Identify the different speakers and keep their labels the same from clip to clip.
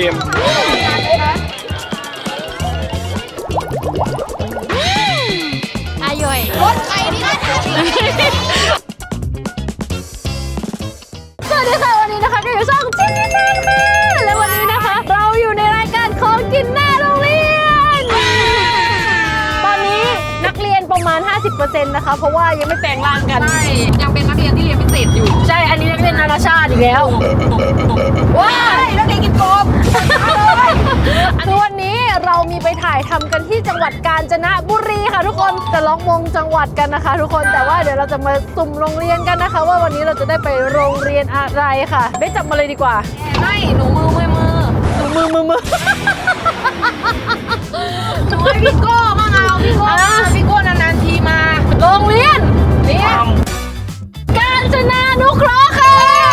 Speaker 1: ม
Speaker 2: อาย่อยรถไฟนี่นะสวัสดีค่ะวันนี้นะคะก็อยู่ช่องจีนค่ะและวันนี้นะคะเราอยู่ในรายการของกินหน้าโรงเรียนตอนนี้นักเรียนประมาณ 50% นะคะเพราะว่ายังไม่แปลงร่างกัน
Speaker 3: ใช่ยังเป็นนักเรียนที่เรียนพิเศษอยู่
Speaker 2: ใช่อันนี้นักเรียนนานาชาติอีกแล้วว้ายนักเรียนกินกบวันนี้เรามีไปถ่ายทำกันที่จังหวัดกาญจนบุรีค่ะทุกคนจะล็อกมงจังหวัดกันนะคะทุกคนแต่ว่าเดี๋ยวเราจะมาสุ่มโรงเรียนกันนะคะว่าวันนี้เราจะได้ไปโรงเรียนอะไรค่ะได้จับมาเลยดีกว่า
Speaker 3: ไม่หนูมือหนู
Speaker 2: มือ
Speaker 3: หนูให้พี่โก้มาเอาพี่โก้นานๆทีมา
Speaker 2: โรงเรียนกาญจนานุเคราะห์ค่ะ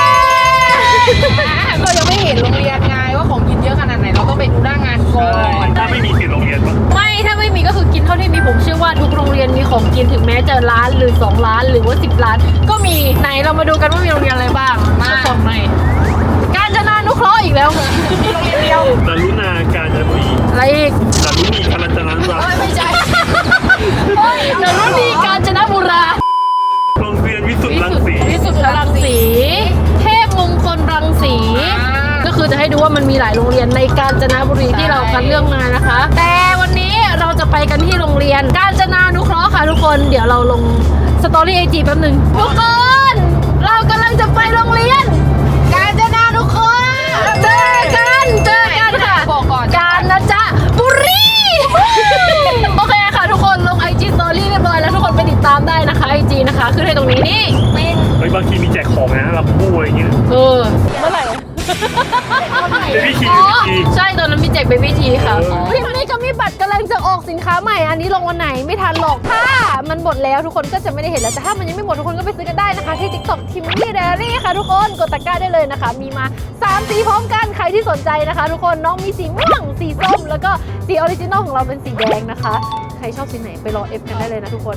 Speaker 3: เรายังไม่เห็นโรงเรียนไงว่าของกินเยอะขนาดไหนเราต้องไปดูหน้างานก่อน
Speaker 1: ถ้าไม่มีสิทธิ์โรงเรียนปะ
Speaker 2: ไม่ถ้าไม่มีก็คือกินเท่าที่มีผมเชื่อว่าทุกโรงเรียนมีของกินถึงแม้จะร้านหรือ2ร้านหรือว่า10ร้านก็มีไหนเรามาดูกันว่ามีโรงเรียนอะไรบ้างมาของไหนกาญจนานุเคราะห์อีกแล้ว
Speaker 3: มีโรงเรียนเดียว
Speaker 1: ดารุณากาญจนบุรี
Speaker 2: อะไรอีก
Speaker 1: ดารุณีกาญจนบุรี
Speaker 3: ไม่ใช่
Speaker 2: ดารุณีกาญจนบุรี
Speaker 1: โรงเรียนวิสุทธิ์รังสี
Speaker 2: วิสุทธิ์รังสีเทพมงคลรังสีก็คือจะให้ดูว่ามันมีหลายโรงเรียนในกาญจนบุรีที่เราคัดเลือกมานะคะแต่วันนี้เราจะไปกันที่โรงเรียนกาญจนานุเคราะห์ค่ะทุกคนเดี๋ยวเราลงสตอรี่IGแป๊บนึงทุกคนเรากำลังจะไปโรงเรียนกาญจนานุเคราะห์เจอกันค่ะ
Speaker 3: บอกก่อน
Speaker 2: กาญจนบุรีโอเคค่ะทุกคนลง IG Story เรียบร้อยแล้วทุกคนไปติดตามได้นะคะ IG นะคะขึ้นให้ตรงนี้นี่
Speaker 1: บางทีมีแจกของนะรับบู้อะไรเงี้ย
Speaker 2: เมื่อไหร่
Speaker 1: เบบี้ที
Speaker 2: ใช่ตอนนั้นมีแจกเบบี้ทีค่ะพี่วันนี้ก็มีบัตรกำลังจะออกสินค้าใหม่อันนี้ลงวันไหนไม่ทันหรอกถ้ามันหมดแล้วทุกคนก็จะไม่ได้เห็นแล้วแต่ถ้ามันยังไม่หมดทุกคนก็ไปซื้อกันได้นะคะที่ TikTok Timmy Diary ค่ะทุกคนกดตะกร้าได้เลยนะคะมีมา3สีพร้อมกันใครที่สนใจนะคะทุกคนน้องมีสีม่วงสีส้มแล้วก็สีออริจินอลของเราเป็นสีแดงนะคะใครชอบสีไหนไปรอเอฟกันได้เลยนะทุกคน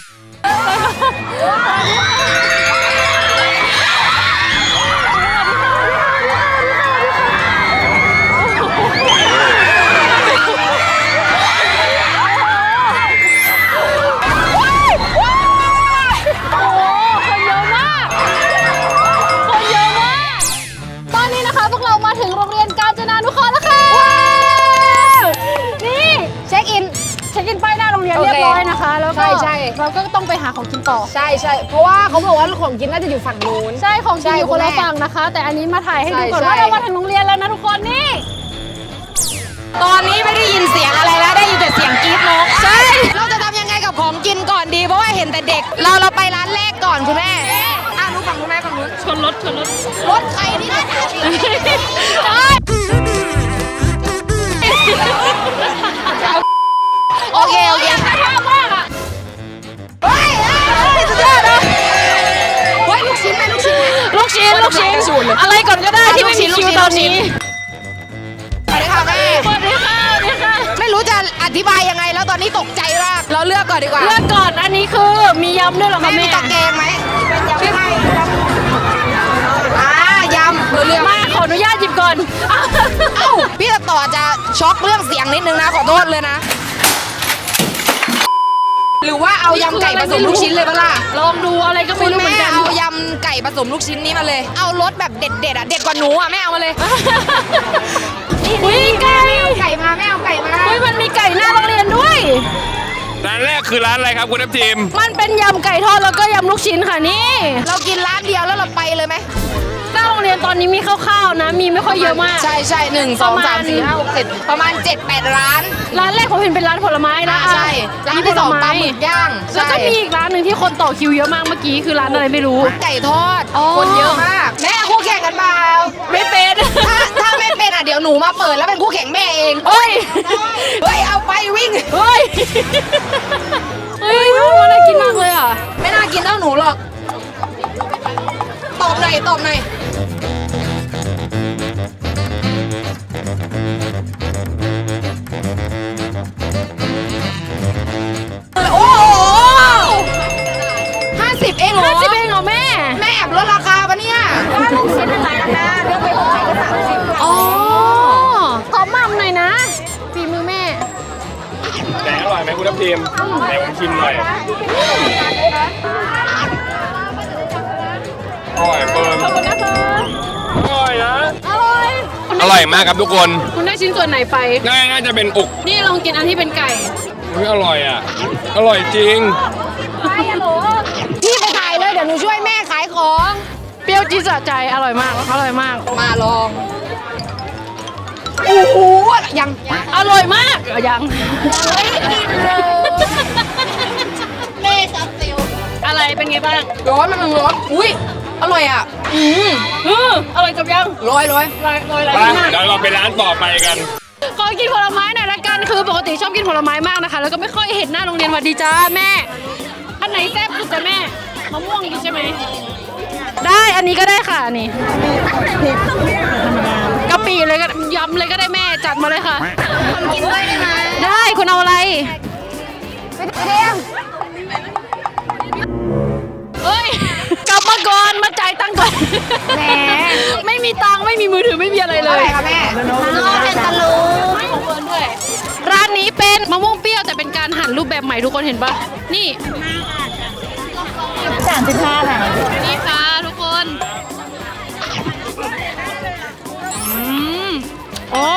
Speaker 2: เรียบร้อยนะคะแล้วก็เราก็ต้องไปหาของกินต่อ
Speaker 3: ใช่เพราะว่าเขาบอกว่าของกินน่าจะอยู่ฝั่งนู้น
Speaker 2: ใช่ของกินอยู่คนละฝั่งนะคะแต่อันนี้มาถ่ายให้ดูก่อนว่าเรามาถึงโรงเรียนแล้วนะทุกคนนี่
Speaker 3: ตอนนี้ไม่ได้ยินเสียงอะไรแล้วได้ยินแต่เสียงกรี๊ดนกใช่เราจะทำยังไงกับของกินก่อนดีเพราะว่าเห็นแต่เด็กเราไปร้านแรกก่อนคุณแม่นู้นฝั่งคุณแม่ฝั่งนู้น
Speaker 2: ชนรถ
Speaker 3: ใครนี่นะโอเคชอบมากอ่ะเฮ้ยสุดยอดเลยเฮ้ยลูกชิ้น
Speaker 2: อะไรก่อนก็ได้ที่ไม่มีคิวตอนนี้
Speaker 3: สวัสดีค่ะแม่
Speaker 2: สวัสดีค่ะ
Speaker 3: ไม่รู้จะอธิบายยังไงแล้วตอนนี้ตกใจมากเราเลือกก่อนดีกว่า
Speaker 2: เลือกก่อนอันนี้คือมียำด้วยหรอคะแม่
Speaker 3: มีตะแกรงไหมเป็นยำไข่ยำเลือก
Speaker 2: มาขออนุญาตหยิบก่อน
Speaker 3: พี่ต่อจะช็อกเรื่องเสียงนิดนึงนะขอโทษเลยนะหรือว่าเอายำไก่ผสมลูกชิ้นเลยบ้างล่ะ
Speaker 2: ลองดูอะไรก็ไม่รู้เหมือนกัน
Speaker 3: เอายำไก่ผสมลูกชิ้นนี้มาเลยเอารสแบบเด็ดอ่ะเด็ดกว่าหนูอ่ะแม่เอามาเลย
Speaker 2: นี่
Speaker 3: ไก่มาแม่เอาไก่มา
Speaker 2: มันมีไก่หน้าโรงเรียนด้วย
Speaker 1: ร้านแรกคือร้านอะไรครับคุณน้ำทีม
Speaker 2: มันเป็นยำไก่ทอดแล้วก็ยำลูกชิ้นค่ะนี่
Speaker 3: เรากินร้านเดียวแล้วเราไปเลยไหม
Speaker 2: หน้าโรงเรียนตอนนี้มีคร่าวๆนะมีไม่ค่อยเยอะมาก
Speaker 3: ใช่1 2 3 4 5 6 7ประมาณ 7-8 ร้าน
Speaker 2: แรกผมเห็นเป็นร้านผลไม้นะ
Speaker 3: ใช่ร้านที่2ปลาหมึกย่าง
Speaker 2: แล้วก็มีอีกร้านหนึ่งที่คนต่อคิวเยอะมากเมื่อกี้คือร้านอะไรไม่รู้
Speaker 3: ไก่ทอดคนเยอะมากแม่คู่แข่งกันเปล่า
Speaker 2: ไม่เป็น
Speaker 3: ถ้าไม่เป็นอ่ะเดี๋ยวหนูมาเปิดแล้วเป็นคู่แข่งแม่เอง
Speaker 2: เฮ้ย
Speaker 3: เอาไปวิ่ง
Speaker 2: เฮ้ยน่ากินมากเลยอ่ะ
Speaker 3: ไม่น่ากินเท่าหนูหรอกตอบหน่อยโอ้โห50 เองเหรอแม่แอบลดราคาปะเนี่ยว่าลูกชิ้นอะไรนะคะเลือกไป6 ไม้ก็30
Speaker 2: อ๋อ
Speaker 1: ทีมไหนผมชิมหน่อยอร่อยเฟิร์ม
Speaker 2: ขอบคุณนะคะ
Speaker 1: อร่อยนะ
Speaker 2: อร่อย
Speaker 1: อร่อยมากครับทุกคน
Speaker 2: คุณได้ชิ้นส่วนไหนไป
Speaker 1: น่าจะเป็นอก
Speaker 2: นี่ลองกินอันที่เป็นไก่
Speaker 1: อุ๊ยอร่อยอ่ะ อร่อยจริง
Speaker 3: พี่ไปถ่ายเลยเดี๋ยวหนูช่วยแม่ขายของ
Speaker 2: เปรี้ยวจี๊ดสะใจ อร่อยมาก อร่อยมาก
Speaker 3: มาลองโอ้โหยัง
Speaker 2: อร่อยมากยัง
Speaker 3: เล่ซับซิล
Speaker 2: อะไรเป็นไงบ้าง
Speaker 3: ร้อนมันร้อนอุ้ยอร่อยอ่ะ
Speaker 2: อร่อยจบยัง
Speaker 3: ร้อย
Speaker 2: ลอยอะไร
Speaker 1: ไป
Speaker 2: มาก
Speaker 1: เดี๋ยวเราไปร้านต่อไปกัน
Speaker 2: ขอกินผลไม้หน่อยละกัน คือปกติชอบกินผลไม้มากนะคะ แล้วก็ไม่ค่อยเห็นหน้าโรงเรียนสวัสดีจ้าแม่ อันไหนแซ่บสุดจ้ะแม่ มะม่วงดีใช่ไหม ได้ อันนี้ก็ได้ค่ะอันนี่กะปิเลยก็ยำเลยก็ได้แม่ จัดมาเลยค่ะ
Speaker 3: กินด้วยได้ไหม
Speaker 2: ได้คุณเอาอะไร
Speaker 3: เรียง
Speaker 2: เฮ้ย กลับมาก่อน มาจ่ายตังค์ก่อน
Speaker 3: แหม
Speaker 2: ไม่มีตังค์ไม่มีมือถือไม่มีอะไรเล
Speaker 3: เท่าไห
Speaker 2: ย
Speaker 3: ร่คะแม่เป็นตะลุ
Speaker 2: ไม่ของเฟิร์นด้วย ร้านนี้เป็นมะม่วงเปรี้ยวแต่เป็นการหั่นรูปแบบใหม่ทุกคนเห็นปะนี่
Speaker 3: 35ค่ะ
Speaker 2: นี่ค่ะทุกคนโอ้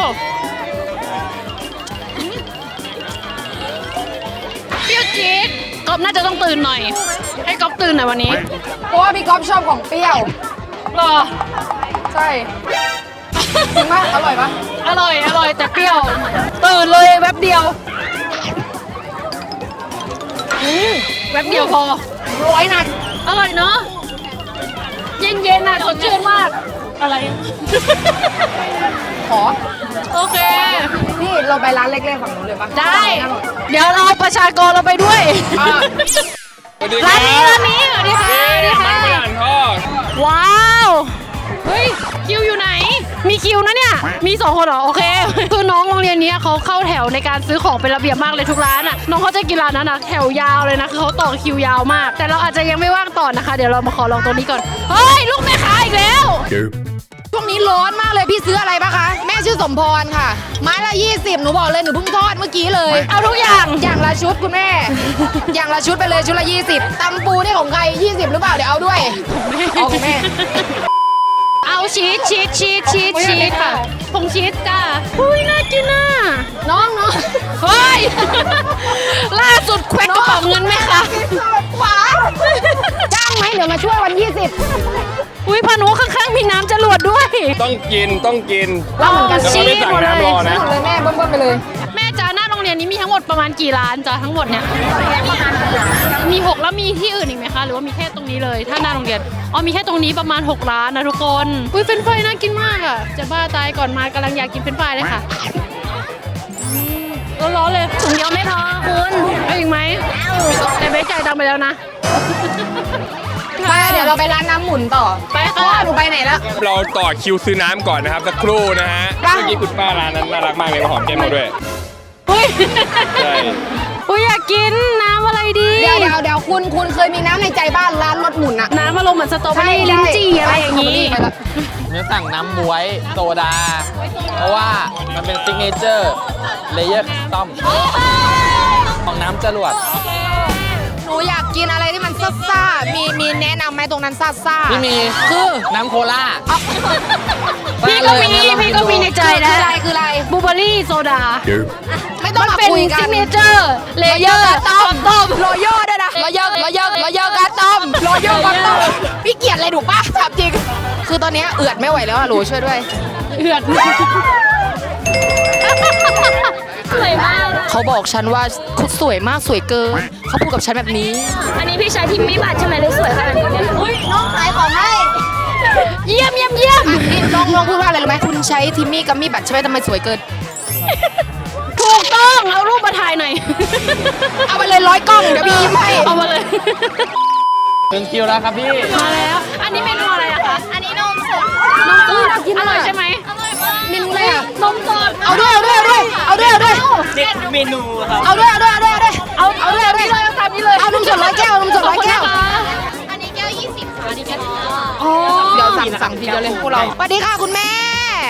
Speaker 2: เปรี้ยวจี๊ดก๊อฟน่าจะต้องตื่นหน่อย ให้ก๊อฟตื่นหน่อยวันนี้
Speaker 3: เพราะว่าพี่ก๊อฟชอบของเปรี้ยว
Speaker 2: รอ
Speaker 3: ใช่จริงปะอร่อยปะ
Speaker 2: อร่อยแต่เปรี้ยว ตื่นเลยแวบเดียวแวบเดียวพอ
Speaker 3: ร้อยหนัก
Speaker 2: อร่อยเนาะเย็นๆน่ะสดชื่นมาก อะไร
Speaker 3: ขอ
Speaker 2: โอเค
Speaker 3: พี่เราไปร้านเล็กๆฝั่งนู้นเลยปะ
Speaker 2: ได้ เดี๋ยวเราประชากรเราไปด้วย
Speaker 3: อ่ะ
Speaker 1: สวัสดี
Speaker 2: ร้านนี้สวัสดีค่ะสวัสดี
Speaker 1: มัน
Speaker 2: ค่ะ
Speaker 1: ฝรั่งทอด
Speaker 2: ว้าว เฮ้ย คิวอยู่ไหน มีคิวนะเนี่ย มี2คนเหรอ โอเค คือน้องโรงเรียนนี้เขาเข้าแถวในการซื้อของเป็นระเบียบมากเลยทุกร้านอ่ะ น้องเขาจะกินร้านนั้นนะแถวยาวเลยนะ คือเขาต่อคิวยาวมาก แต่เราอาจจะยังไม่ว่างต่อนะคะ เดี๋ยวเรามาขอลองตรงนี้ก่อน เฮ้ย ลูกแม่ค้าอีกแล้ว
Speaker 3: ช่วงนี้ร้อนมากเลยพี่ซื้ออะไรปะคะ แม่ชื่อสมพรค่ะ ไม้ละ 20 หนูบอกเลยหนูเพิ่งทอดเมื่อกี้เลย
Speaker 2: เอาทุกอย่าง
Speaker 3: อย่างละชุดคุณแม่ อย่างละชุดไปเลยชุดละ 20ตำปูนี่ของใคร 20 หรือเปล่าเดี๋ยวเอาด้วยเอาของแม่
Speaker 2: เอาชีสค่ะผงชีสจ้าอุ้ยน่ากินอ่ะ
Speaker 3: น้อง
Speaker 2: เฮ้ย ล่าสุดแควักกระเป๋าเงินไหมคะ
Speaker 3: หวานจ้างไหมเดี๋ยวมาช่วยวัน 20
Speaker 2: อุ้ยพานุข้างๆมีน้ำจรวดด้วย
Speaker 1: ต้องกิน
Speaker 3: เราเหมือนกัน
Speaker 1: จะไม่สั่งน้ำรอนะ
Speaker 3: หมดเลยแม่เบิ้มๆไปเลย
Speaker 2: แม่จ้าหน้าโรงเรียนนี้มีทั้งหมดประมาณกี่ร้านจ้าทั้งหมดเนี่ย มี 6 แล้วมีที่อื่นอีกไหมคะ หรือว่ามีแค่ตรงนี้เลย ถ้าหน้าโรงเรียน อ๋อมีแค่ตรงนี้ประมาณ6ร้านนะทุกคน อุ้ยเฟรนช์ฟรายน่ากินมากอ่ะ จะบ้าตายก่อนมากำลังอยากกินเฟรนช์ฟรายเลยค่ะร้อนๆเลยถุงเดียวไม่พอคุณเอาอีกไหมแต่ไม่จ่ายตังค์ไปแล้วนะ
Speaker 3: ไปเดี๋ยวเราไปร้านน้ำหมุนต่อ
Speaker 2: ไป
Speaker 3: เพราะ
Speaker 2: ค่ะ
Speaker 3: ว่าหนูไปไหนแล้ว
Speaker 1: เราต่อคิวซื้อน้ำก่อนนะครับสักครู่นะฮะ
Speaker 3: ไป
Speaker 1: เมื่อกี้คุณป้าร้านนั้นน่ารักมากเลยมาหอมแก้มเราด้วย
Speaker 2: อุ้ย
Speaker 1: ใช่
Speaker 2: อุ้ยอยากกินน้ำอะไรดี
Speaker 3: เดี๋ยวคุณเคยมีน้ำในใจบ้านร้านรถหมุนอะ
Speaker 2: น้ำอารมณ์เหมือนสตรอเบอรี่ลิ้นจี่อะไรอย่างนี้
Speaker 3: ไปแล้ว
Speaker 4: ผมจะสั่งน้ำบ๊วยโซดา เพราะว่ามันเป็นซิกเนเจอร์เลเยอร์คัสตอมของน้ำจรวด
Speaker 3: หนูอยากกินอะไรที่มันซ่าๆมีแนะนำไหมตรงนั้นซ่าๆ
Speaker 4: ที่มี
Speaker 3: คือ
Speaker 4: น้ำโคลา
Speaker 2: พี่ก็มีในใจนะ
Speaker 3: คืออะไร
Speaker 2: บลูเบอรี่โซดา
Speaker 3: ไม่ต้อง
Speaker 2: มัน
Speaker 3: มา
Speaker 2: เป็น
Speaker 3: คุยกั
Speaker 2: ซิ
Speaker 3: น
Speaker 2: กเนเจอร์เลเยอร์ต้ม
Speaker 3: โรโย่ด้วยนะโรโย่กาต้มโรโย่กาต้มพี่เกลียดอะไรถูกปะถามจริง คือตอนนี้เอือดไม่ไหวแล้วอะหนูช่วยด้วย
Speaker 2: เหือดสวยมาก
Speaker 3: เขาบอกฉันว่าคุณสวยมากสวยเกินเขาพูดกับฉันแบบนี้
Speaker 2: อันนี้พี่ชายทิมมี่บัตรใช่ไหมเลยสวยขนาดนี้เนี่ยอุ้ย
Speaker 3: น้องขายของให้
Speaker 2: เยี่ยม
Speaker 3: ลองพูดว่าอะไรรู้ไหมคุณใช้ทิมมี่กัมมี่บัตรใช่ไหมทำไมสวยเกิน
Speaker 2: ถูกต้อง เอารูปมาถ่ายหน่อย
Speaker 3: เอาไปเลย100 กล้องเดี๋ยวพี่ยิ้มให้
Speaker 2: เอามาเลย
Speaker 4: ถึงคิวแล้วครับพี่
Speaker 2: มาแล้ว อันนี้เมนูอะไรอะคะ อันนี้นมสดนมสดอร่อยใช่ไหมอร่อยมาก
Speaker 3: เมนูอะไรอะ
Speaker 2: นมสด
Speaker 3: เอาด้วยเอาด้วยเอาตามนี้เลยเอานมสด100 แก้วนมสด100 แก้ว
Speaker 2: อันนี้แก้ว20ค่ะอันนี้แก้ว
Speaker 3: เดี๋ยวสั่งทีเดียวเลยพวกเราสวัสดีค่ะคุณแม่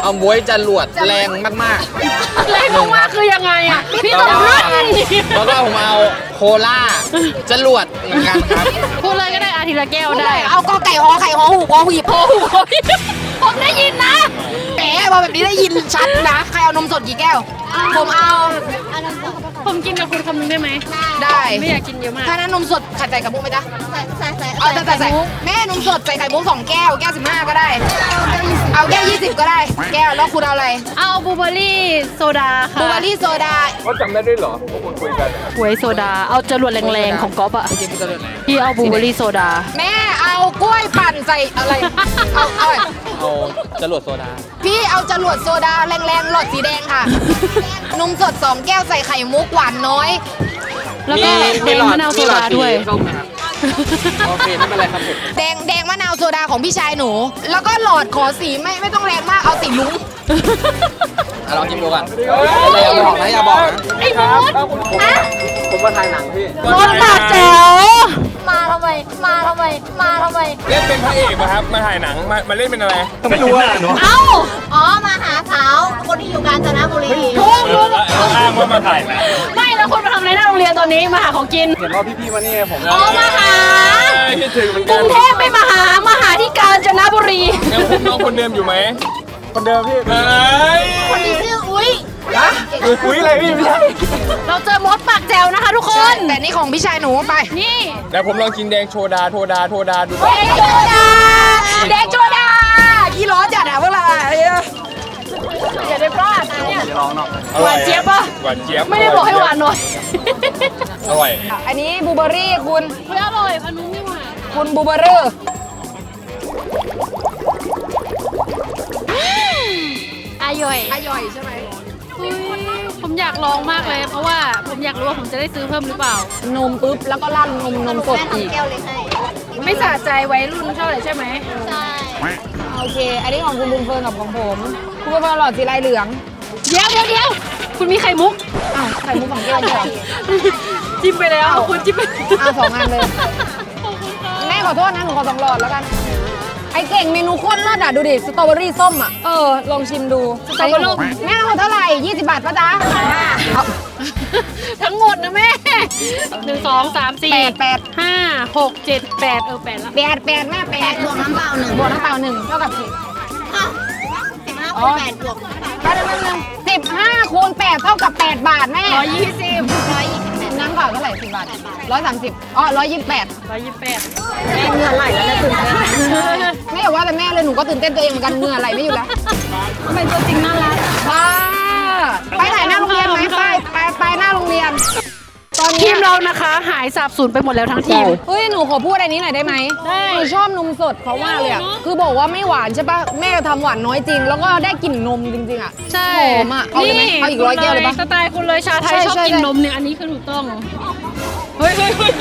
Speaker 4: เอาบ๊วยจรวดแรงมาก
Speaker 2: แรงมากๆคือยังไงอ่ะ
Speaker 4: ๆ
Speaker 2: พี่
Speaker 4: แล้ว
Speaker 2: ตอบ
Speaker 4: ก็
Speaker 2: เลย
Speaker 4: แล้วก็ผมเอาโคล่าจรวดเหมือนกันครับ
Speaker 2: พูดเลยก็ได้อาทิตย์ละแก้วได้
Speaker 3: เอากอไก่หอไข่หอหูหอหีบ
Speaker 2: ผมได้ยินนะ
Speaker 3: แหมพอแบบนี้ได้ยินชัดนะใครเอานมสดกี่แก้ว ผมเอา
Speaker 2: ผมกินกับคุณคำนึงได้ไหม
Speaker 3: ได้
Speaker 2: ไม่อยากกินเยอะมาก
Speaker 3: ถ้านั้นนมสดขัดใจกับมุกไหมจ๊ะ
Speaker 5: ใส่
Speaker 3: เอาแต่ใส่แม่นมสดใส่ไข่มุก2 แก้ว แก้ว 15 ก็ได้ เอาแก้ว 20 ก็ได้ แก้ว แล้วคุณเอาอะไร
Speaker 2: เอาบลูเบอร์รี่โซดาค่ะ
Speaker 3: บลูเบอร์รี่โซดา
Speaker 1: เขาจำได้ด้วยเหรอพวกคุณคุยกัน
Speaker 2: หวยโซดา เอาจรวดแรงๆของก๊อฟอะ
Speaker 4: กินจรวดไหน
Speaker 2: พี่เอาบลูเบอร์รี่โซดา
Speaker 3: แม่เอากล้วยปั่นใส่อะไร เอา
Speaker 4: เอาจรวดโซดา
Speaker 3: พี่เอาจรวดโซดาแรงๆหลอดสีแดงค่ะ นมสด 2 แก้วใส่ไข่มุกหวานน้อย
Speaker 2: แล้วก็แดงมะนาวโซดาด้วย
Speaker 4: ส้มนะครับโอเคไม่เป็นไรครับผม
Speaker 3: แดงมะนาวโซดาของพี่ชายหนู แล้วก็หลอดขอสีไม่ต้องแรงมาก เอาสีลุ้ง
Speaker 4: ลองกินดูก่อนอย่าบอกนะอย่าบอกนะ
Speaker 2: ไอ้มด
Speaker 4: ผมมาถ่ายหนังพี่
Speaker 2: มดปากแจ๋ว
Speaker 5: มาทำไม มาทำไม มาทำไม
Speaker 1: เล่นเป็นพระเอกป่ะครับ มาถ่ายหนัง มาเล่นเป็นอะไร
Speaker 6: ไม่รู้อ่ะเนาะ
Speaker 2: เอ้า
Speaker 5: อ๋อ มาหาสาว คนที่อยู่กาญจนบุรี
Speaker 1: อ้างว่ามาถ่ายหนัง
Speaker 2: ไม่แล้วคุณมาทำอะไรหน้าโรงเรียนตอนนี้มาหาของกิน
Speaker 6: เห็นว่าพี่ๆมานี่ผม
Speaker 2: อ๋อมาหา
Speaker 1: คิดถึงเหมือน
Speaker 2: ก
Speaker 1: กั
Speaker 2: รุ
Speaker 1: น
Speaker 2: งเทพไม่มาหาที่กาญจนบุรี
Speaker 1: ยังคุมน้องคนเดิมอยู่ไหม
Speaker 6: คนเดิมพี่
Speaker 1: เฮ้ย
Speaker 5: คนนี้ชื่ออุ้ย
Speaker 6: อุ้ยอะไรพี่ไม่ใช่
Speaker 2: เราเจอมดปากแจ๋วนะคะทุกคน
Speaker 3: แต่นี่ของพี่ชายหนูไป
Speaker 2: นี่
Speaker 1: เดี๋ยวผมลองกินแดงโชดาดู
Speaker 3: แดงโซดาแดงโซดากี่ล้อจัดอะพวกเราอะ
Speaker 2: อย่าได้พลาดนะเนี่ย
Speaker 6: จะลองเนาะ
Speaker 2: หวานเจี๊ยบปะ
Speaker 1: หวานเจี๊ยบ
Speaker 2: ไม่ได้บอกให้หวานหน่อย
Speaker 1: อร่อย
Speaker 3: อันนี้บลูเบอร์รี่คุณ
Speaker 2: เฮ้ยอร่อยพันนุ่มไม่หวาน
Speaker 3: คุณบลูเบอร์รี่
Speaker 2: อร่อย
Speaker 3: อร่อยใช่ไหม
Speaker 2: ผมอยากลองมากเลย เพราะว่าผมอยากรู้ว่าผมจะได้ซื้อเพิ่มหรือเปล่า
Speaker 3: นมปุ๊บแล้วก็ราดนมสด
Speaker 5: แม่
Speaker 3: อีก
Speaker 5: ทำแก้วเลยให้
Speaker 2: ไม่สะใจไว้รุ่นเท่าไหร่ใช่ไหม
Speaker 5: ใช่
Speaker 3: โอเค อันนี้ของคุณบุญเฟิร์นกับของผมคุณบุญเฟิร์นหลอดสีลายเหลือง
Speaker 2: เดี๋ยวคุณมีไข่มุก
Speaker 3: อ้าวไข่มุกของแก้วเหรอ
Speaker 2: จิ้มไปแล้วคุณจิ้มไป
Speaker 3: เอา2 อันเลย แม่ขอโทษนะหนูขอ2 หลอดแล้วกัน ไอเก่งเมนูโคตรเลิศอ่ะ ดูดิ สตรอเบอรี่ส้มอ่ะ ลองชิมดู
Speaker 2: สตรอเบอรี่
Speaker 3: แม่ทั้งหมดเท่าไหร่ 20 บาทป่ะจ๊ะเอา
Speaker 2: ทั้งหมดนะแม่1 2 3 4
Speaker 3: 8
Speaker 2: 5 6 7 88ละ
Speaker 3: 8 8แม่8
Speaker 5: บวกน้ำเปล่า1
Speaker 3: บวกน้ำเปล่า1เท่ากับกี่
Speaker 5: 15คูณ8บวก
Speaker 3: แป๊บนึง15 คูณ 8 เท่ากับ 8 บาทแม่
Speaker 5: 120
Speaker 3: น้ำเปล่าเท่าไหร่10 บาท 130 อ๋อ 128
Speaker 2: 128
Speaker 3: แม่เหงื่อไหลแล้วแม่ตื่นเต้นไม่อย่าว่าแต่แม่เลยหนูก็ตื่นเต้นตัวเองเหมือนกันเหงื่อไหลไม่อยู่แล้ว
Speaker 2: ทำไมตัวจริงน่ารัก
Speaker 3: บ้าไปถ่ายหน้าโรงเรียนไหมไปหน้าโรงเรียน ตอน
Speaker 2: ที
Speaker 3: นี้
Speaker 2: มเรานะคะหายสาบสูญไปหมดแล้วทั้งทีม
Speaker 3: เฮ้ยหนูขอพูดอะไรนี้หน่อยได้ไหม
Speaker 2: ได้
Speaker 3: หนูชอบนมสดเขามากเลยอ่ะ
Speaker 2: เนอะ
Speaker 3: คือบอกว่าไม่หวานใช่ปะแม่ทำหวานน้อยจริง แล้วก็ได้กลิ่นนมจริงๆอ่ะ
Speaker 2: ใช่
Speaker 3: หอมอ่ะเอาเลยไหมเอาอีก100 แก้วเลยปะ
Speaker 2: สไตล์คุณเลยชาไทย
Speaker 3: ใช่
Speaker 2: ชอบ
Speaker 3: ใช่
Speaker 2: กิน
Speaker 3: ใช่
Speaker 2: นมเนี่ยอันนี้คือถูกต้องเฮ้ย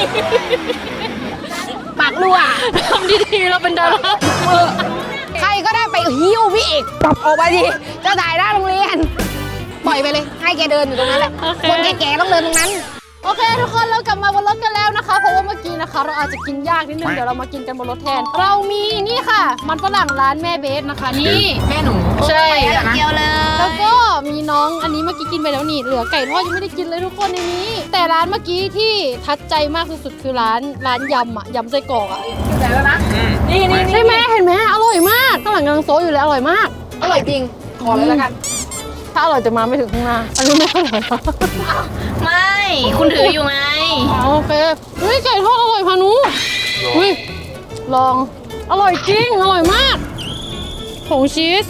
Speaker 3: ปากรั่ว
Speaker 2: ทำดีๆเราเป็นดารา
Speaker 3: ใครก็ได้ไปหิ้วพี่เอกปรับออกไปดิจะถ่ายหน้าโรงเรียน ปล่อยไปเลย ให้แกเดินอยู่ตรงนั้นแหละ คนแก่ๆต้องเดินตรงนั้น
Speaker 2: โอเคทุกคนเรากลับมาบนรถกันแล้วนะคะ เพราะว่าเมื่อกี้นะคะ เราอาจจะกินยากนิดนึงเดี๋ยวเรามากินกันบนรถแทน เรามีนี่ค่ะ มันฝรั่งร้านแม่เบสนะคะนี่
Speaker 3: แม่หนู
Speaker 2: ใช่
Speaker 5: เดียวเลย
Speaker 2: แล้วก็มีน้องอันนี้เมื่อกี้กินไปแล้วนี่เหลือไก่ทอดยังไม่ได้กินเลยทุกคนในนี้ แต่ร้านเมื่อกี้ที่ทัดใจมากสุดๆคือร้านยำอ่ะยำไส้กรอกอ่ะ
Speaker 3: แต่แล้วนะ นี่
Speaker 2: ใช่ไหมเห็นไหมอร่อยมากข้างหลังกำลังโซะอยู่เลยอร่อยมาก
Speaker 3: อร่อยจริง ขอเลยแล้วกัน
Speaker 2: ถ้าอร่อยจะมาไม่ถึงข้างหน้าอันนี้ไม่อร่อย
Speaker 5: ไม่ คุณถืออยู่ไง
Speaker 2: โอเคเฮ้ยไก่ทอดอร่อยพานุเฮ้ยลองอร่อยจริงอร่อยมากผงชีส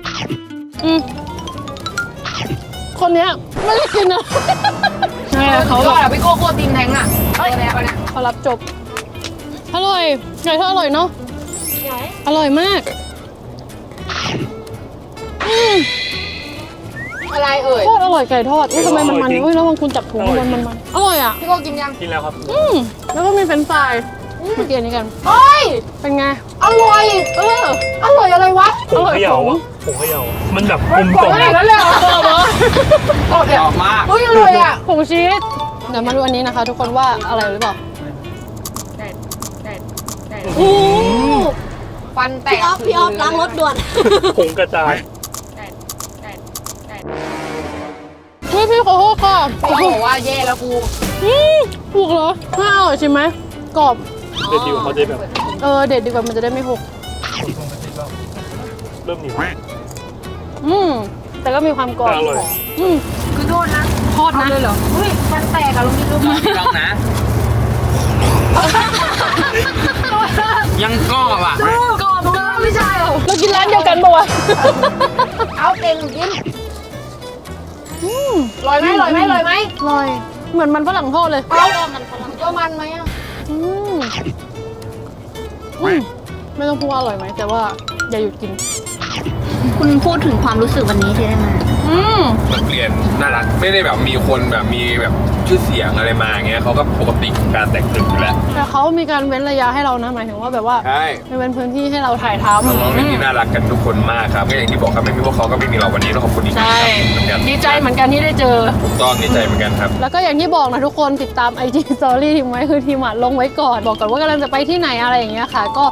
Speaker 2: คนเนี้ยไม่ได้กินนะใช่เขา
Speaker 3: เขาบอกพี่โก้โคตรตีนแทงอ่ะเอาเลยเอาเนี่ย
Speaker 2: เขารับจบอร่อยไก่ทอดอร่อยเนาะอร่อยมาก
Speaker 3: อะไรเอ่ย
Speaker 2: โคตรอร่อยไก่ทอดทำไมมันเฮ้ยแล้วบางคุณจับถุงมันอร่อยอ่ะ
Speaker 3: พี่โก้กินยัง
Speaker 6: กินแล้วครับ
Speaker 2: แล้วก็มีเฟรนช์ฟรายมากินอันนี้กัน
Speaker 3: เฮ้ย
Speaker 2: เป็นไง
Speaker 3: อร่อยอร่อยอะไรวะ
Speaker 2: อร่อย
Speaker 6: เขย่าอ่ะผมเขย่ามันแบบกลมกล่อม
Speaker 3: อร่อยแล้วเลยเหรอ
Speaker 4: หอมมาก
Speaker 3: เฮ้ยอร่อยอ่ะ
Speaker 2: ผงชีสเดี๋ยวมาดูอันนี้นะคะ ทุกคนว่าอะไรหรือเปล่าโอ้
Speaker 3: ฟันแตก
Speaker 5: พี่ออฟล้างรถด่วน
Speaker 6: ผงกระจาย
Speaker 2: ยพี่ขอโทษค่ะ
Speaker 3: เขาบอกว่าแย่แล้วกู
Speaker 2: ถูกเหรอน่าอร่อยใช่ไหมกรอบ
Speaker 6: เด็ดดีกว่าเขาจะแบบ
Speaker 2: เด็ดดีกว่ามันจะได้ไม่หก
Speaker 6: เริ่มเหนียว
Speaker 2: แต่ก็มีความกรอบ
Speaker 6: อร่อย
Speaker 3: คือโทษนะ
Speaker 2: ทอดนะเลยเหรอ
Speaker 3: อุ้ยมันแตกอะลงนี่รู้ไหม
Speaker 4: ลองนะ ยังกรอบอ่ะ
Speaker 3: กรอบเกินไม่ใช่เหรอ
Speaker 2: เรากินร้านเดียวกันปะวะ
Speaker 3: เอาเองกินลอยไหมลอยไหมลอยไหม
Speaker 2: อร่อยเหมือนมันฝรั่งทอดเลย
Speaker 3: เอาก็มันไหมอ่ะ
Speaker 2: อืมไม่ต้องพูดว่าอร่อยไหมแต่ว่าอย่าหยุดกิน
Speaker 5: คุณพูดถึงความรู้สึกวันนี้ที่ได้มา
Speaker 1: มันเปลี่ยนน่ารักไม่ได้แบบมีคนแบบมีแบบชื่อเสียงอะไรมาอย่างเงี้ยเขาก็ปกติของการแต่งตึกอยู่แล้ว
Speaker 2: แต่เขามีการเว้นระยะให้เรานะหมายถึงว่าแบบว่า
Speaker 1: ใช่
Speaker 2: ไม่เว้นพื้นที่ให้เราถ่ายท
Speaker 1: น้องๆที่น่ารักกันทุกคนมากครับก็อย่างที่บอกครับไม่มีพวกเขาก็ไม่มีเราวันนี้ต้องขอบคุณอีก
Speaker 2: ำ
Speaker 1: ครั้
Speaker 2: ใช่
Speaker 1: งเหมือนกัน
Speaker 2: ดีใจเหมือนกันที่ได้เจอ
Speaker 1: ถูกต้องดีใจเหมือนกันครับ
Speaker 2: แล้วก็อย่างที่บอกนะทุกคนติดตาม IG Story ทีมไว้คือทีมลงไว้ก่อนบอกก่อนว่ากำลังจะไปที่ไหนอะไรอย่างเงี้ยค่ะก็